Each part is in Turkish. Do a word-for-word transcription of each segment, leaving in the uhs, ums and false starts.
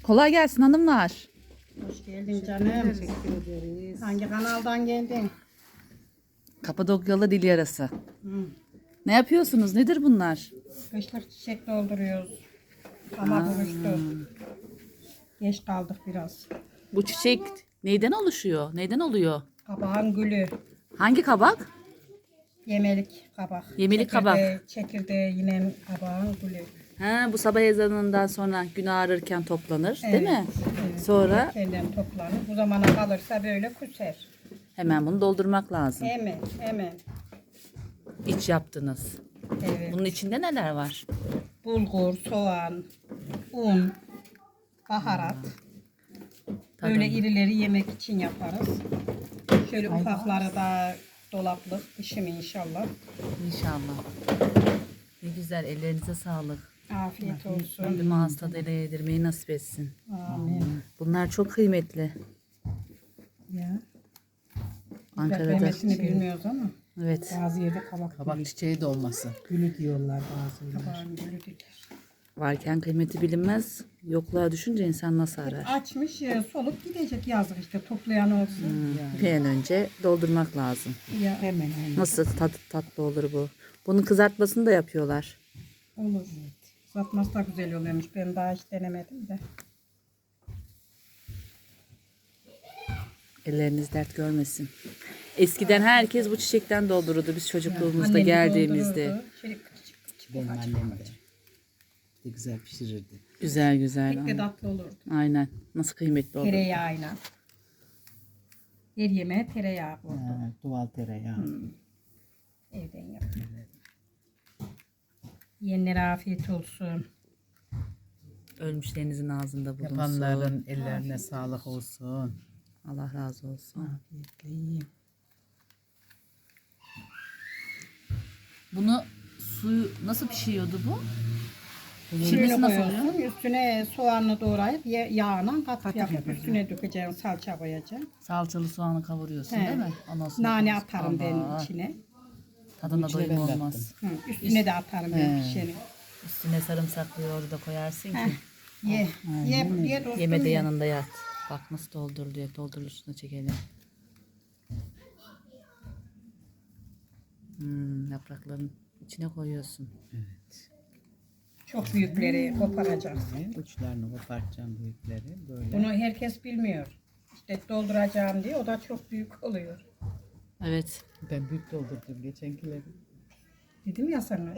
Kolay gelsin hanımlar. Hoş geldin canım. Teşekkür ederiz. Hangi kanaldan geldin? Kapadokyalı dil yarası. Hı. Ne yapıyorsunuz? Nedir bunlar? Kışlık çiçek dolduruyoruz. Ama buluştu. Geç kaldık biraz. Bu çiçek neyden oluşuyor? Neyden oluyor? Kabağın gülü. Hangi kabak? Yemelik kabak. Yemelik Çekirdeği- Çekirdeği yine kabağın gülü. Ha, bu sabah ezanından sonra gün ağrırken toplanır, değil Evet, mi? evet. Sonra Kendinden toplanır. Bu zamana kalırsa böyle küser. hemen bunu doldurmak lazım. Hemen hemen. İç yaptınız. Evet. Bunun içinde neler var? Bulgur, soğan, un, baharat. Tabii. Böyle irileri yemek için yaparız. Şöyle ufakları da dolaplık pişimi inşallah. İnşallah. Ne güzel, ellerinize sağlık. Afiyet olsun. Rabbim ağız tadıyla yedirmeyi nasip etsin. Amin. Bunlar çok kıymetli. Ya. Ankara'da. Beklemesini bilmiyoruz ama. Evet. Bazı yerde kabak, Kabak çiçeği de olması. gülü diyorlar bazıları. Kabağın gülü dedi. Varken kıymeti bilinmez. Yokluğa düşünce insan nasıl arar? Açmış e, solup gidecek yazık işte toplayan olsun. Bir an önce doldurmak lazım. Ya Hemen hemen. Nasıl tat, tatlı olur bu? Bunun kızartmasını da yapıyorlar. olur. Satması da güzel oluyormuş. Ben daha hiç denemedim de. Elleriniz dert görmesin. Eskiden herkes bu çiçekten doldururdu biz çocukluğumuzda Annem de geldiğimizde. doldururdu. Şöyle küçük küçük Benim ufacık annem de. ufacık. De güzel pişirirdi. Güzel güzel. Pek de Aynen. tatlı olurdu. Aynen. Nasıl kıymetli olur. Tereyağıyla. Her yemeğe tereyağı koydu. Ha, doğal tereyağı. Evden yaptım. Yiyenlere afiyet olsun. Ölmüşlerinizin ağzında bulunsun. Yapanların ellerine sağlık olsun. Allah razı olsun. Afiyetle yiyin. Bunu suyu nasıl pişiyordu bu? Suyunu Pişirmesi nasıl oluyor? koyuyorsun. Üstüne soğanını doğrayıp ya- yağına kat Katı yapıp yapacağım. üstüne dökeceğim. Salça koyacağım. Salçalı soğanı kavuruyorsun He. değil mi? Ondan sonra Nane koyuyorsun. atarım ben Allah. içine. Tadına İçine doyum ben de olmaz. Hı, üstüne de atarım ben pişeni. Üstüne sarımsaklı yoğurdu da koyarsın ki. Ye. Ye, ye dostum. Yeme de ye. yanında yat. Bak nasıl dolduruluyor. Dolduruluşuna çekelim. Hmm, yaprakların içine koyuyorsun. Çok büyükleri koparacaksın. Uçlarını kopartacağım büyükleri böyle. Bunu herkes bilmiyor. İşte dolduracağım diye o da çok büyük oluyor. Evet. Ben büyük doldurdum geçenkileri. Dedim ya sana.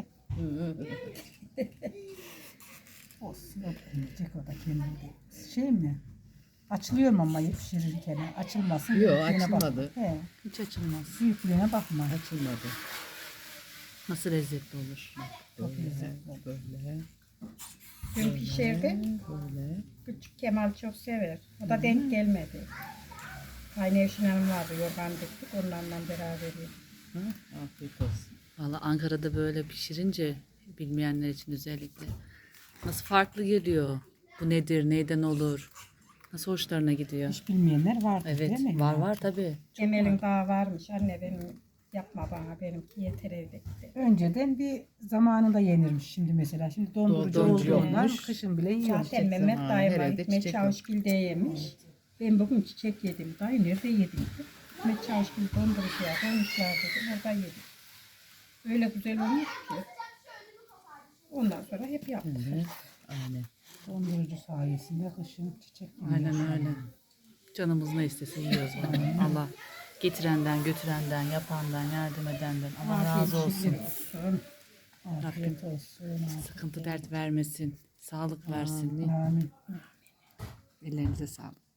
Olsun. Yiyecek o da kendinde. Şey mi? Açılıyor mu ama pişirirken? Açılmasın. Yok, büyüklüğüne açılmadı. Bak. He, Hiç açılmaz. büyüklüğüne bakma. Açılmadı. Nasıl lezzetli olur. Çok güzel. Böyle. Dün pişirdi. Böyle. Küçük Kemal çok sever. O da denk gelmedi. Aynı Evşin Hanım vardı. Yorgan diktik. Onlarla beraber yedik. Ha, afiyet olsun. Valla Ankara'da böyle pişirince bilmeyenler için özellikle nasıl farklı geliyor. Bu nedir, neyden olur? Nasıl hoşlarına gidiyor. Hiç bilmeyenler vardır Evet, değil mi? var var tabii. Emel'in daha varmış. Anne benim yapma bana. Benimki yeter evde gitti. Önceden bir zamanında yenirmiş şimdi mesela. Şimdi dondurucu Dondurucu olduğundan olmuş. kışın bile yiyor. Zaten Mehmet zamanı dayım var. herhalde Hikmet çiçek Çavuşgil'de yemiş. Ben bugün çiçek yedim. Dayı nerede yedin? Hikmet Çavuşgil dondurucuya koymuşlar dedim. Orada yedim. Öyle güzel olmuş ki. Ondan sonra hep yaptık. Evet. Aynen. Dondurucu sayesinde kışın çiçek yiyor. Aynen öyle. Canımız ne istese yiyoruz vallahi. Allah getirenden, götürenden, yapandan, yardım edenden Allah razı olsun. şükür olsun. Afiyet olsun. Sıkıntı dert vermesin. Sağlık versin. Amin. Ellerinize sağlık.